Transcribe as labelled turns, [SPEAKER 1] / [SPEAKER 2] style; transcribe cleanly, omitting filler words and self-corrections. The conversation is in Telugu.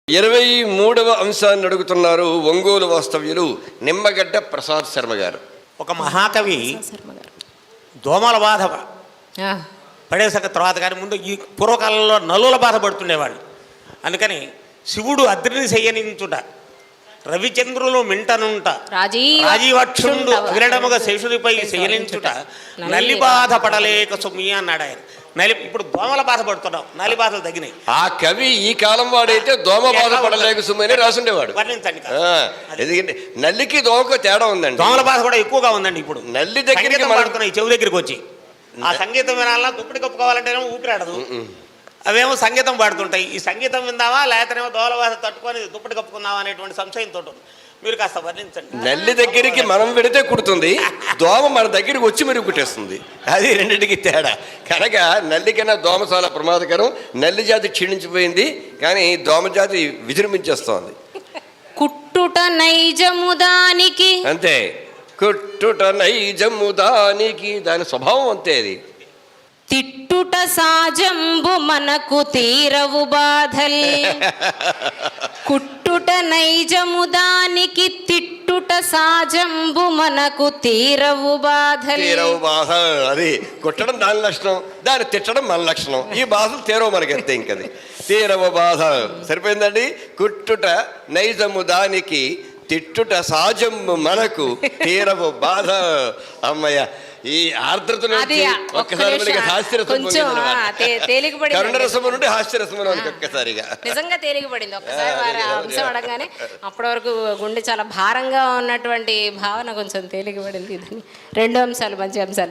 [SPEAKER 1] 23వ అంశాన్ని అడుగుతున్నారు ఒంగోలు వాస్తవ్యులు నిమ్మగడ్డ ప్రసాద్ శర్మ గారు.
[SPEAKER 2] ఒక మహాకవి దోమల బాధ పడేసాక తర్వాత కానీ ముందు ఈ పూర్వకాలంలో నలుల బాధ పడుతుండేవాళ్ళు. అందుకని శివుడు అద్రిని శయనించుట, రవిచంద్రులు మింటనుంట, రాజీవక్షుండు అవిరడముగా శేషుడిపై శయనించుట, నల్లి బాధ పడలేక సుమి అన్నాడు ఆయన. ఇప్పుడు దోమల బాధ పడుతున్నాం, నలి బాధలు తగ్గినాయి.
[SPEAKER 1] ఆ కవి ఈ కాలం వాడైతే దోమ బాధ పడలేక సుమని రాసుండేవాడు.
[SPEAKER 2] వర్ణించండి.
[SPEAKER 1] ఎందుకంటే నల్లికి దోమకు తేడా ఉందండి.
[SPEAKER 2] దోమల బాధ కూడా ఎక్కువగా ఉందండి. ఇప్పుడు
[SPEAKER 1] నల్లి దగ్గరికి
[SPEAKER 2] పడుతున్నాయి, చెవు దగ్గరికి వచ్చి ఆ సంగీతం వినాలన్నా దుప్పటి కప్పుకోవాలంటేనేమో ఊపిరాడదు. అవేమో సంగీతం పాడుతుంటాయి. ఈ సంగీతం విందామా లేకపోతేనేమో దోమల బాధ తట్టుకొని దుప్పటి కప్పుకుందామా అనేటువంటి సంశయంతో మీరు కాస్త వర్ణించండి.
[SPEAKER 1] నల్లి దగ్గరికి మనం పెడితే కుడుతుంది, దోమ మన దగ్గరికి వచ్చి మరి కుట్టేస్తుంది. అది రెండింటికి తేడా. కనుక నల్లి కన్నా దోమ చాలా ప్రమాదకరం. నల్లి జాతి క్షీణించిపోయింది, కానీ దోమ జాతి విజృంభించేస్తోంది.
[SPEAKER 3] కుట్టుట నైజము దానికి,
[SPEAKER 1] అంతే. కుట్టుట నైజము దానికి, దాని స్వభావం అంతే. అది
[SPEAKER 3] తిట్టుట సాజంబు మనకు తీరవు బాధల్. కుట్టుట నైజము దానికి, తిట్టుట సాజంబు మనకు తీరవు బాధల్.
[SPEAKER 1] తీరవు బాధ. అది కుట్టడం దాని లక్షణం, దాన్ని తిట్టడం మన లక్షణం. ఈ బాధలు తీరవు మనకి అంతే. ఇంకది తీరవు బాధ సరిపోయిందండి. కుట్టుట నైజము దానికి, తిట్టుట సాజంబు మనకు తీరవు బాధ. అమ్మయ్య, ఈ ఆర్ద్రత ఒక్కసారి హాస్యరసం కరుణరసం నుండి హాస్యరసం ఒక్కసారిగా
[SPEAKER 3] నిజంగా తేలికపడింది. ఒక్కసారి వారి అంశం అడగానే అప్పటి వరకు గుండె చాలా భారంగా ఉన్నటువంటి భావన కొంచెం తేలికపడింది. రెండో అంశాలు మంచి అంశాలు.